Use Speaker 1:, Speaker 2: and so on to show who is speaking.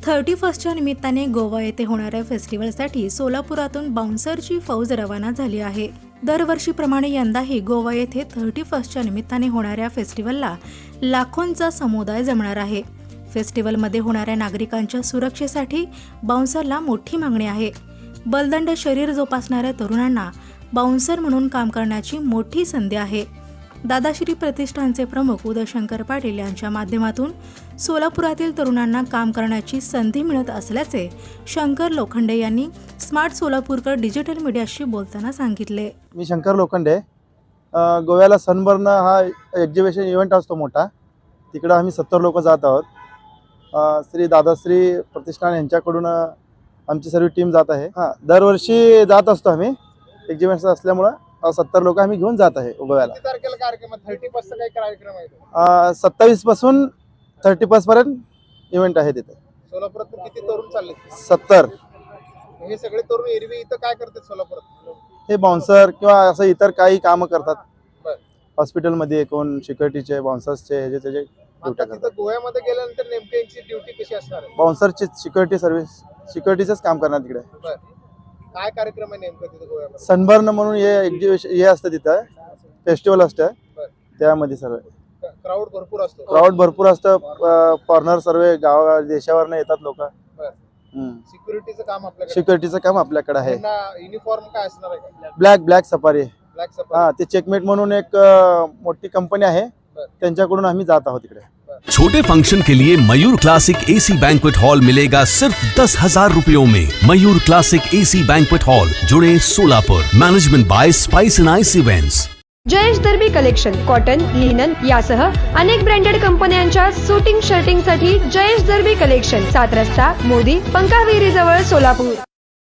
Speaker 1: 31च्या निमित्ताने गोवा येथे होणाऱ्या फेस्टिवलसाठी सोलापुरातून बाउन्सरची फौज रवाना झाली आहे। दरवर्षीप्रमाणे यंदाही गोवा येथे 31च्या निमित्ताने होणाऱ्या फेस्टिवलला लाखोंचा समुदाय जमणार आहे। फेस्टिवलमध्ये होणाऱ्या नागरिकांच्या सुरक्षेसाठी बाउन्सरला मोठी मागणी आहे। बलदंड शरीर जोपासणाऱ्या तरुणांना बाउन्सर म्हणून काम करण्याची मोठी संधी आहे। दादाश्री प्रतिष्ठानचे प्रमुख उदयशंकर पाटील यांच्या माध्यमातून सोलापुरातील तरुणांना काम करण्याची संधी मिळत असल्याचे शंकर लोखंडे यांनी स्मार्ट सोलापूरकर डिजिटल मीडियाशी बोलताना सांगितले।
Speaker 2: मी शंकर लोखंडे, गोव्याला सनबर्न हा एक्झिबिशन इव्हेंट असतो मोठा, तिकडे आम्ही 70 लोक जात आहोत। श्री दादाश्री प्रतिष्ठान यांच्याकडून आमची सर्व टीम जात आहे। दरवर्षी जात असतो आम्ही, एक्झिबिशन असल्यामुळे 70 लोक आम्ही घेऊन जात आहे गोव्याला।
Speaker 3: किती तारखेला कार्यक्रम आहे? 30 काही कार्यक्रम आहे?
Speaker 2: 27 पासून 31 पर्यंत इव्हेंट आहे तिथे।
Speaker 3: सोलापुरातून किती तरुण चालले?
Speaker 2: 70।
Speaker 3: हे सगळे तरुण एरवी इथं काय करतात सोलापुरात?
Speaker 2: हे बाउन्सर किंवा असं इतर काही काम करतात।
Speaker 3: बरं.
Speaker 2: हॉस्पिटलमध्ये कोण सिक्युरिटीचे, बाउन्सर्सचे, ह्याचे त्याचे ड्युट्या
Speaker 3: आता
Speaker 2: करतात।
Speaker 3: तिथं गोव्यामध्ये गेल्यानंतर नेमकी यांची ड्युटी कशी असणार आहे?
Speaker 2: बाउन्सरची सिक्युरिटी सर्व्हिस, सिक्युरिटीचंच काम करणार तिकडे।
Speaker 3: बरं. काय कार्यक्रम आहे नेमकं तिथं गोव्यामध्ये?
Speaker 2: सनबर्न म्हणून हे एक्झिबिशन हे असतं, तिथं फेस्टिवल असतं।
Speaker 3: बरं.
Speaker 2: त्यामध्ये सर्व
Speaker 3: क्राऊड भरपूर असतो?
Speaker 2: क्राऊड भरपूर असतं। फॉरेनर सर्व गावा देशावरनं येतात लोक।
Speaker 3: सिक्युरिटीचं काम आपल्याकडे?
Speaker 2: सिक्युरिटीचं काम आपल्याकडे आहे।
Speaker 3: युनिफॉर्म काय असणार आहे?
Speaker 2: Black safari.
Speaker 3: Black safari.
Speaker 2: ते चेकमेट म्हणून एक मोठी कंपनी आहे, त्यांच्याकडून आम्ही जात आहोत तिकडे।
Speaker 4: छोटे फंक्शन के लिए Mayur classic AC banquet hall मिलेगा सिर्फ 10,000 रुपयों में। Mayur classic AC banquet hall, जुड़े Solapur. Management by spice and ice events.
Speaker 5: Jayesh Darbi collection cotton, linen यासह अनेक ब्रँडेड कंपन्यांच्या सुटिंग शर्टिंग साठी जयेश दर्बी कलेक्शन, 7 रस्ता मोदी पंकाविहिरी जवळ सोलापूर।